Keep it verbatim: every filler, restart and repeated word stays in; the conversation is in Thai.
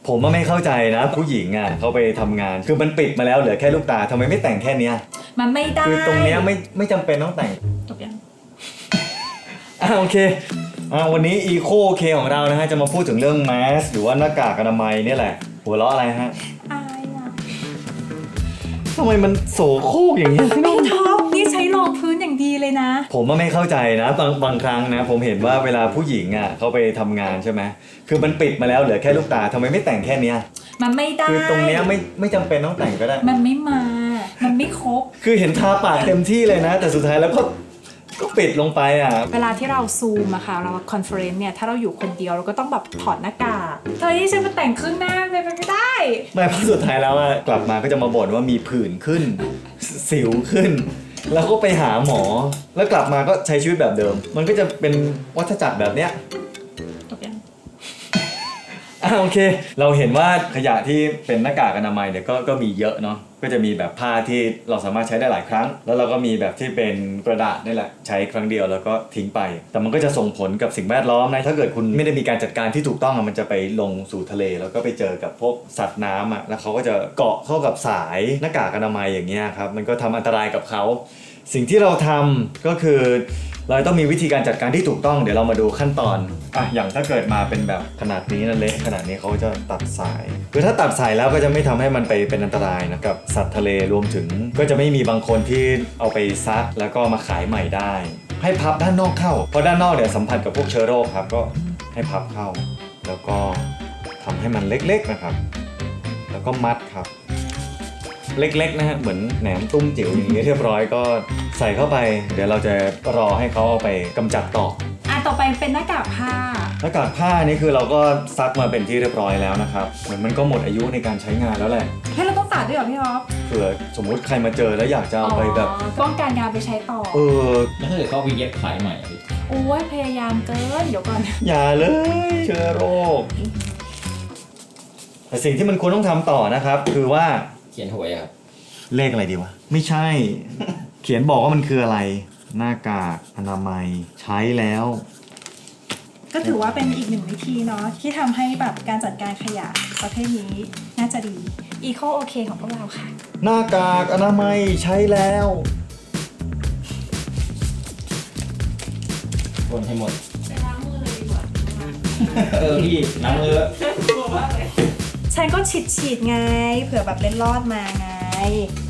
ผมว่าไม่เข้าใจนะผู้หญิงอ่ะเขาไปทำงานคือมันปิดมาแล้วเหลือแค่ลูกตาทำไมไม่แต่งแค่เนี้ยมันไม่ได้คือตรงเนี้ยไม่ไม่จำเป็นต้องแต่งจบยังอ่าโอเคอ่าวันนี้ Eco K ของเรานะฮะจะมาพูดถึงเรื่องแมสหรือว่าหน้ากากอนามัยนี่แหละหัวเราะอะไรฮะอายอ่ะทำไมมันโสโครกอย่างนี้พี่ท็อปนี่ใช้รองพื้นอย่างดีเลยนะผมว่าไม่เข้าใจนะบางบางครั้งนะผมเห็นว่าเวลาผู้หญิงอ่ะเขาไปทำงานใช่ไหมคือมันปิดมาแล้วเหลือแค่ลูกตาทำไมไม่แต่งแค่เนี้ยมันไม่ได้คือตรงเนี้ยไม่ไม่จำเป็นต้องแต่งก็ได้มันไม่มามันไม่ครบคือเห็นทาปากเต็มที่เลยนะแต่สุดท้ายแล้วก็ก็ปิดลงไปอ่ะเวลาที่เราซูมอะค่ะเราคอนเฟอเรนซ์เนี่ยถ้าเราอยู่คนเดียวเราก็ต้องแบบถอดหน้ากากเธอที่ฉันมาแต่งครึ่งหน้าไปไม่ได้ไม่เพราะสุดท้ายแล้วอะกลับมาก็จะมาบ่นว่ามีผื่นขึ้นสิวขึ้นแล้วก็ไปหาหมอแล้วกลับมาก็ใช้ชีวิตแบบเดิมมันก็จะเป็นวัฏจักรแบบเนี้ยจบยังอ่ะโอเคเราเห็นว่าขยะที่เป็นหน้ากากอนามัยเนี่ยก็ก็มีเยอะเนาะก็จะมีแบบผ้าที่เราสามารถใช้ได้หลายครั้งแล้วเราก็มีแบบที่เป็นกระดาษนี่แหละใช้ครั้งเดียวแล้วก็ทิ้งไปแต่มันก็จะส่งผลกับสิ่งแวดล้อมนะถ้าเกิดคุณไม่ได้มีการจัดการที่ถูกต้องมันจะไปลงสู่ทะเลแล้วก็ไปเจอกับพวกสัตว์น้ำอ่ะแล้วเขาก็จะเกาะเข้ากับสายหน้ากากอนามัยอย่างเงี้ยครับมันก็ทำอันตรายกับเขาสิ่งที่เราทำก็คือเราต้องมีวิธีการจัดการที่ถูกต้องเดี๋ยวเรามาดูขั้นตอนอ่ะอย่างถ้าเกิดมาเป็นแบบขนาดนี้นะเละขนาดนี้เขาจะตัดสายคือถ้าตัดสายแล้วก็จะไม่ทำให้มันไปเป็นอันตรายนะกับสัตว์ทะเลรวมถึงก็จะไม่มีบางคนที่เอาไปซักแล้วก็มาขายใหม่ได้ให้พับด้านนอกเข้าเพราะด้านนอกเนี่ยสัมผัสกับพวกเชื้อโรคครับก็ให้พับเข้าแล้วก็ทำให้มันเล็กๆนะครับแล้วก็มัดครับเล็กๆนะฮะเหมือนแหนมตุ้มจิ๋วอย่างนี้เรียบร้อยก็ใส่เข้าไปเดี๋ยวเราจะรอให้เขาเอาไปกำจัดต่ออ่ะต่อไปเป็นหน้ากากผ้าหน้ากากผ้านี่คือเราก็ซักมาเป็นที่เรียบร้อยแล้วนะครับเหมือนมันก็หมดอายุในการใช้งานแล้วแหละให้เราต้องตัดด้วยเหรอพี่อ๊อฟเผื่อสมมุติใครมาเจอแล้วอยากจะเอาไปแบบป้องกันงานไปใช้ต่อเออแล้วถ้าเกิดเขาไปเย็บขายใหม่โอ้ยพยายามเกินเดี๋ยวก่อนอย่าเลยเชื้อโรคแต่สิ่งที่มันควรต้องทำต่อนะครับคือว่าเขียนหวยครับเลขอะไรดีวะไม่ใช่ เขียนบอกว่ามันคืออะไรหน้ากากอนามัยใช้แล้วก็ถือว่าเป็นอีกหนึ่งวิธีเนาะที่ทำให้แบบการจัดการขยะประเภทนี้น่าจะดี Eco OK ของพวกเราค่ะหน้ากากอนามัยใช้แล้วคนให้หมดไปล้างมือเลยดีกว่าเออพี่ล้างมือฉันก็ฉีดฉีดไงเผื่อแบบเล็ดลอดมาไง